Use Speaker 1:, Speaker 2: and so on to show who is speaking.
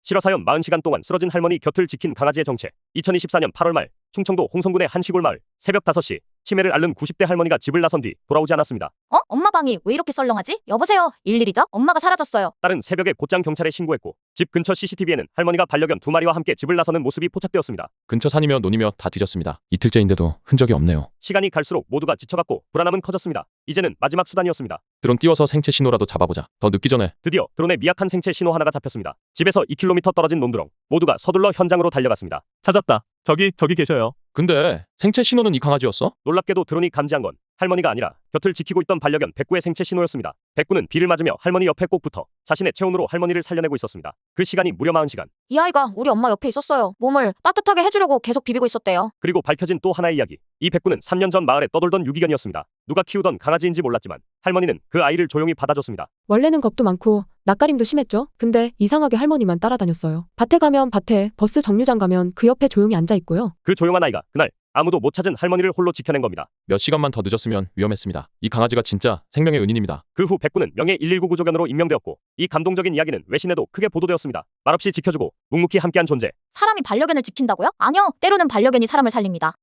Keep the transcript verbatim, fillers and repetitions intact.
Speaker 1: 실화사연 사십 시간 동안 쓰러진 할머니 곁을 지킨 강아지의 정체. 이천이십사 년 팔월 말 충청도 홍성군의 한 시골 마을. 새벽 다섯 시 치매를 앓는 구십 대 할머니가 집을 나선 뒤 돌아오지 않았습니다.
Speaker 2: 어? 엄마 방이 왜 이렇게 썰렁하지? 여보세요? 일일이죠? 엄마가 사라졌어요.
Speaker 1: 딸은 새벽에 곧장 경찰에 신고했고 집 근처 씨씨티비에는 할머니가 반려견 두 마리와 함께 집을 나서는 모습이 포착되었습니다.
Speaker 3: 근처 산이며 논이며 다 뒤졌습니다. 이틀째인데도 흔적이 없네요.
Speaker 1: 시간이 갈수록 모두가 지쳐갔고 불안함은 커졌습니다. 이제는 마지막 수단이었습니다.
Speaker 3: 드론 띄워서 생체 신호라도 잡아보자. 더 늦기 전에.
Speaker 1: 드디어 드론의 미약한 생체 신호 하나가 잡혔습니다. 집에서 이 킬로미터 떨어진 논두렁. 모두가 서둘러 현장으로 달려갔습니다.
Speaker 4: 찾았다. 저기 저기 계셔요.
Speaker 3: 근데 생체 신호는 이 강아지였어?
Speaker 1: 놀랍게도 드론이 감지한 건 할머니가 아니라 곁을 지키고 있던 반려견 백구의 생체 신호였습니다. 백구는 비를 맞으며 할머니 옆에 꼭 붙어 자신의 체온으로 할머니를 살려내고 있었습니다. 그 시간이 무려 사십 시간.
Speaker 2: 이 아이가 우리 엄마 옆에 있었어요. 몸을 따뜻하게 해주려고 계속 비비고 있었대요.
Speaker 1: 그리고 밝혀진 또 하나의 이야기. 이 백구는 삼 년 전 마을에 떠돌던 유기견이었습니다. 누가 키우던 강아지인지 몰랐지만 할머니는 그 아이를 조용히 받아줬습니다.
Speaker 5: 원래는 겁도 많고 낯가림도 심했죠. 근데 이상하게 할머니만 따라다녔어요. 밭에 가면 밭에, 버스 정류장 가면 그 옆에 조용히 앉아 있고요.
Speaker 1: 그 조용한 아이가 그날 아무도 못 찾은 할머니를 홀로 지켜낸 겁니다.
Speaker 3: 몇 시간만 더 늦었으면 위험했습니다. 이 강아지가 진짜 생명의 은인입니다.
Speaker 1: 그 후 백구는 명예 일일구 구조견으로 임명되었고 이 감동적인 이야기는 외신에도 크게 보도되었습니다. 말없이 지켜주고 묵묵히 함께한 존재.
Speaker 2: 사람이 반려견을 지킨다고요? 아니요. 때로는 반려견이 사람을 살립니다.